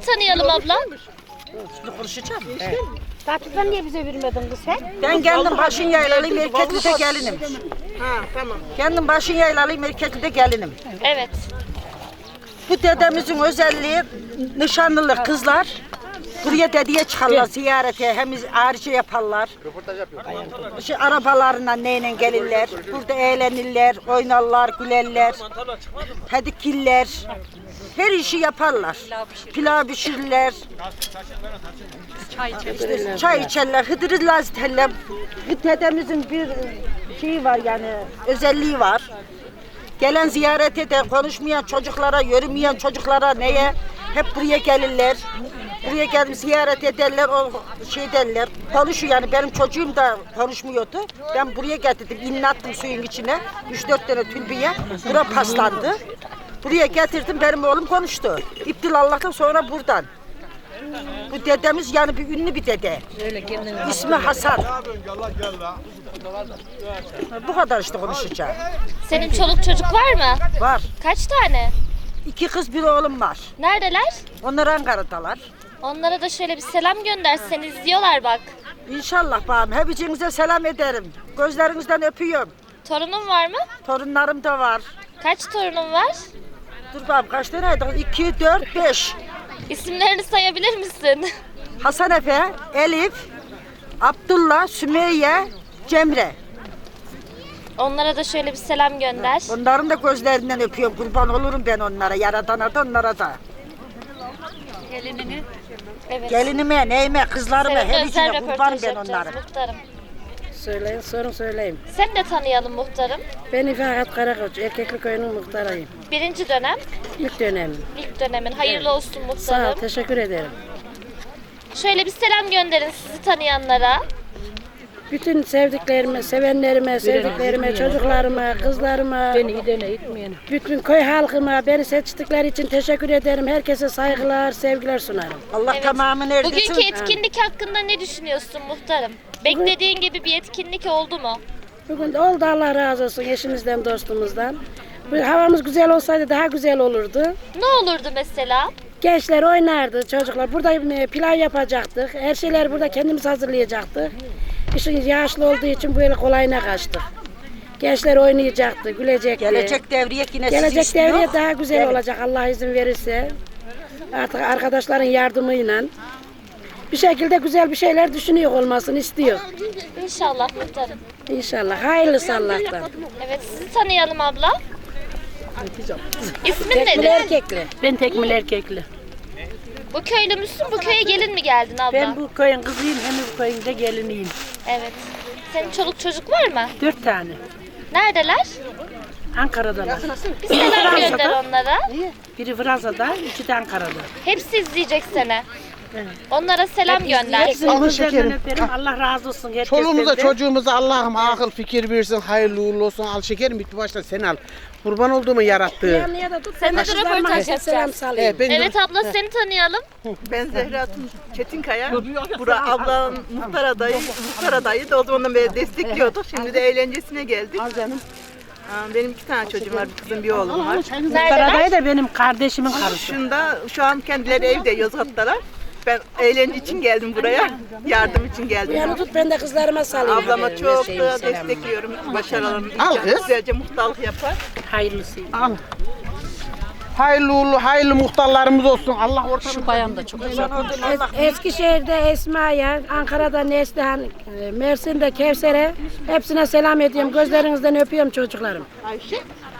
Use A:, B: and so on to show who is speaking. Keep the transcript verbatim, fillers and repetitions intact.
A: tanıyalım abla.
B: Şimdi konuşacağım.
C: Evet. Tatlıdan niye bize vermedin kız sen?
B: Ben kendim başın yaylalıyım, Erkekli'de gelinim.
D: Ha tamam.
B: Kendim başın yaylalıyım, Erkekli'de gelinim.
A: Evet.
B: Bu dedemizin özelliği nişanlılık kızlar. Buraya dedeye çıkarlar ziyarete, hem harici yaparlar. Şey, arabalarla neyle gelirler, burada eğlenirler, oynarlar, gülerler, hedikiller. Her işi yaparlar. Pilav pişirirler. İşte çay içerler, hıdırı laziterler. Dedemizin bir şeyi var yani, özelliği var. Gelen ziyaret eden, konuşmayan çocuklara, yürümeyen çocuklara neye? Hep buraya gelirler. Buraya gelip ziyaret ederler, o şey derler. Konuşuyor yani, benim çocuğum da konuşmuyordu. Ben buraya getirdim, inlattım suyun içine. Üç dört tane tülbiye. Bura paslandı. Buraya getirdim, benim oğlum konuştu. İptil Allah'tan sonra buradan. Bu dedemiz yani bir ünlü bir dede. İsmi Hasan. Bu kadar işte konuşacağım.
A: Senin çoluk çocuk var mı?
B: Var.
A: Kaç tane?
B: İki kız bir oğlum var.
A: Neredeler?
B: Onlar Ankara'dalar.
A: Onlara da şöyle bir selam gönder. Seni izliyorlar bak.
B: İnşallah bağım. Hepinize selam ederim. Gözlerinizden öpüyorum.
A: Torunun var mı?
B: Torunlarım da var.
A: Kaç torunun var?
B: Dur bağım kaç taneydi? İki, dört, beş.
A: İsimlerini sayabilir misin?
B: Hasan Efe, Elif, Abdullah, Sümeyye, Cemre.
A: Onlara da şöyle bir selam gönder.
B: Onların da gözlerinden öpüyorum. Kurban olurum ben onlara. Yaradana da onlara da.
A: Gelinini. Evet.
B: Gelinime, neyime, kızlarıma,
A: Seninle
B: her
A: özel
B: içine kurban
A: röportaj
B: ben
A: yapacağız
B: onlara.
A: muhtarım.
C: Söyleyin, sorun söyleyeyim.
A: Seni de tanıyalım muhtarım.
C: Ben İfakat Karakoç, Erkekli Köyü'nün muhtarıyım.
A: Birinci dönem,
C: İlk dönemim.
A: ilk dönemin. Hayırlı olsun
C: Sağ ol,
A: muhtarım.
C: teşekkür ederim.
A: Şöyle bir selam gönderin sizi tanıyanlara.
C: Bütün sevdiklerime, sevenlerime, sevdiklerime, çocuklarıma, kızlarıma,
D: Beni de ne itmeyelim.
C: bütün köy halkıma beni seçtikleri için teşekkür ederim. Herkese saygılar, sevgiler sunarım.
B: Allah
A: Evet.
B: tamamını erdirsin.
A: Bugünkü etkinlik hakkında ne düşünüyorsun muhtarım? Beklediğin gibi bir etkinlik oldu mu?
C: Bugün de oldu, Allah razı olsun eşimizden, dostumuzdan. Bu havamız güzel olsaydı daha güzel olurdu.
A: Ne olurdu mesela?
C: Gençler oynardı, çocuklar. Burada pilav yapacaktık. Her şeyler burada kendimiz hazırlayacaktık. İşin yaşlı olduğu için böyle kolayına kaçtık. Gençler oynayacaktı, gülecekti.
B: Gelecek devriye yine sizi
C: Gelecek
B: istiyor.
C: devriye daha güzel
B: Evet.
C: olacak Allah izin verirse. Artık arkadaşların yardımıyla bir şekilde güzel bir şeyler düşünüyor olmasını istiyor.
A: İnşallah muhtarım.
C: İnşallah. Hayırlısı Allah'tan.
A: Evet, sizi tanıyalım abla. İsmin
C: Tekmil
A: nedir?
C: erkekli.
D: Ben tekmil erkekli.
A: Bu köylü müsün? Bu köye gelin mi geldin abla?
D: Ben bu köyün kızıyım hem de bu köyün de geliniyim.
A: Evet. Senin çoluk çocuk var mı?
D: Dört tane.
A: Neredeler?
D: Ankara'dalar.
A: Bir selam gönder onlara.
D: Biri Fransa'da, iki de Ankara'da.
A: Hepsi izleyecek seni. Onlara selam gönder.
D: Hepsini
E: Alın
D: gözlerinden
E: şekerim.
D: öperim. Allah razı olsun herkesten
E: Çoluğumuza
D: de.
E: çocuğumuza Allah'ım akıl fikir versin, hayırlı uğurlu olsun. Al şekerim, bitti başta sen al. Kurban olduğumu yarattı.
C: Yanlıya da tut.
A: Sen de
C: kızlarıma
A: röportaj
C: herkese selam
A: yapacağız.
C: salayım.
E: Evet, ben de-
A: Evet abla seni tanıyalım.
F: Ben Zehra Tun Çetinkaya. Bura ablam muhtar adayı, muhtar adayı da o zamandan beri destekliyorduk. Şimdi de eğlencesine geldik.
E: Al canım.
F: Aa, Benim iki tane çocuğum var, bir kızım bir oğlum var.
A: Neredeler?
D: Karadayı da benim kardeşimin karısı.
F: Şunda şu an kendileri evde Yozgat'talar. Ben eğlence için geldim buraya, yardım için geldim.
C: Yanı tut, ben de kızlarıma salayım.
F: Ablama çok da destekliyorum. Başarılarını
E: Al kız.
F: güzelce muhtarlık yapar.
D: Hayırlısıyım.
E: Al. Hayırlı uğurlu, hayırlı muhtarlarımız olsun. Allah ortamı...
D: Şu bayan da çok güzel.
C: Es- Eskişehir'de Esma'ya, Ankara'da Neslihan, e, Mersin'de Kevser'e hepsine selam ediyorum. Gözlerinizden öpüyorum çocuklarım.
F: Ayşe.